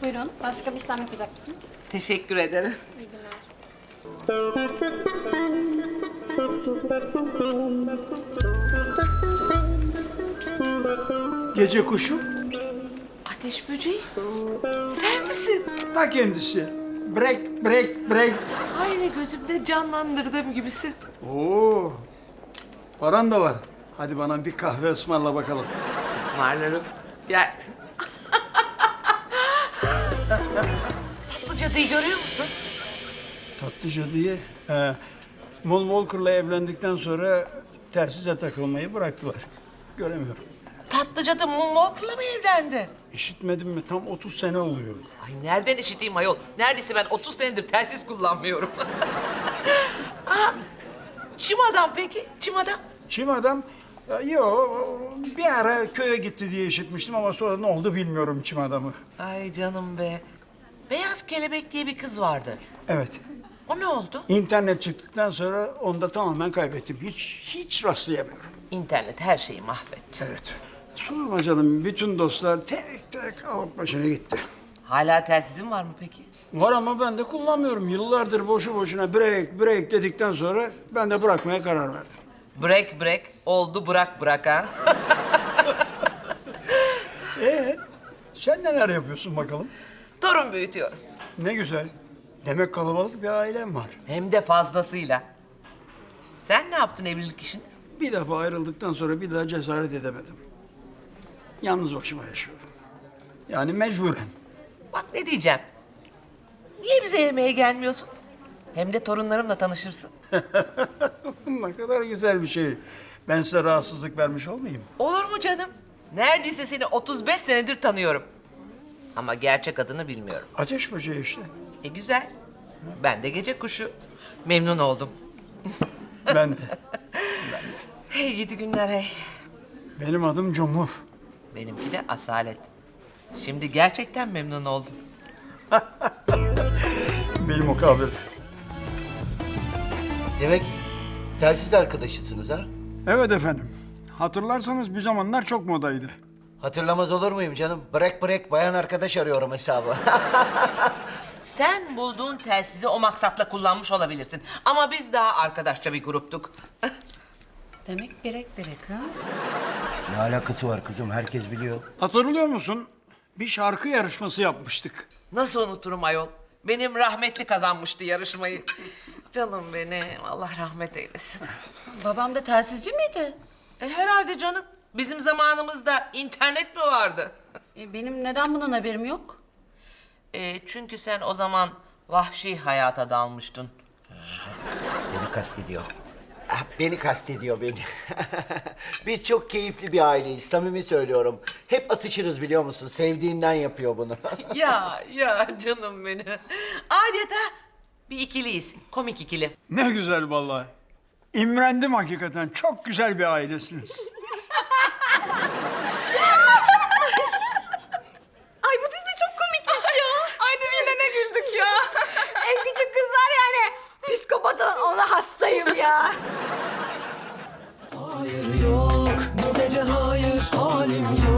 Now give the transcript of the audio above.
Buyurun. Başka bir işlem yapacak mısınız? Teşekkür ederim. İyi günler. Gece kuşu Ateş böceği. Sen misin? ta kendisi. Break, break, break. Aynı gözümde canlandırdığım gibisin. Oo, paran da var. Hadi bana bir kahve ısmarla bakalım. Ismarlarım. Gel. Tatlı cadıyı görüyor musun? Tatlıca diye. Mol Walker'la evlendikten sonra telsize takılmayı bıraktılar. Göremiyorum. Tatlı cadı Moonwalker'la mı evlendi? İşitmedin mi? Tam 30 sene oluyor. Ay nereden işiteyim ayol? Neredeyse ben 30 senedir telsiz kullanmıyorum. Aa, çim adam peki? Çim adam? Çim adam, yo bir ara köye gitti diye işitmiştim ama sonra ne oldu bilmiyorum çim adamı. Ay canım be. Beyaz Kelebek diye bir kız vardı. Evet. O ne oldu? İnternet çıktıktan sonra onu da tamamen kaybettim. Hiç rastlayamıyorum. İnternet her şeyi mahvetti. Evet. Sorma canım, bütün dostlar tek tek alıp başına gitti. Hala telsizin var mı peki? Var ama ben de kullanmıyorum. Yıllardır boşu boşuna break, break dedikten sonra ben de bırakmaya karar verdim. Break break oldu bırak bırak ha. Sen neler yapıyorsun bakalım? Torun büyütüyorum. Ne güzel. Demek kalabalık bir ailem var. Hem de fazlasıyla. Sen ne yaptın evlilik işini? Bir defa ayrıldıktan sonra bir daha cesaret edemedim. Yalnız başıma yaşıyorum. Yani mecburen. Bak ne diyeceğim. Niye bize yemeğe gelmiyorsun? Hem de torunlarımla tanışırsın. Ne kadar güzel bir şey. Ben size rahatsızlık vermiş olmayayım. Olur mu canım? Neredeyse seni 35 senedir tanıyorum. Ama gerçek adını bilmiyorum. Ateş böceği işte. Güzel. Ben de gece kuşu. Memnun oldum. Ben de. Hey gidi günler hey. Benim adım Cumhur. Benimki de Asalet. Şimdi gerçekten memnun oldum. Benim o kabir. Demek telsiz arkadaşısınız ha? Evet efendim. Hatırlarsanız bir zamanlar çok modaydı. Hatırlamaz olur muyum canım? Break break bayan arkadaş arıyorum hesabı. Sen bulduğun telsizi o maksatla kullanmış olabilirsin. Ama biz daha arkadaşça bir gruptuk. Demek berek berek ha? Ne alakası var kızım? Herkes biliyor. Hatırlıyor musun? Bir şarkı yarışması yapmıştık. Nasıl unuturum ayol? Benim rahmetli kazanmıştı yarışmayı. Canım benim, Allah rahmet eylesin. Babam da telsizci miydi? Herhalde canım. Bizim zamanımızda internet mi vardı? Benim neden bundan haberim yok? Çünkü sen o zaman vahşi hayata dalmıştın. Beni kastediyor. Ah, beni kastediyor beni. Biz çok keyifli bir aileyiz. Samimi söylüyorum. Hep atışırız biliyor musun? Sevdiğinden yapıyor bunu. Ya canım benim. Adeta bir ikiliyiz. Komik ikili. Ne güzel vallahi. İmrendim hakikaten. Çok güzel bir ailesiniz. Ay bu dizi çok komikmiş ya. Ay de yine ne güldük ya. En küçük kız var yani. Psikopat ona hastayım ya. Hayır yok, bu gece hayır, halim yok.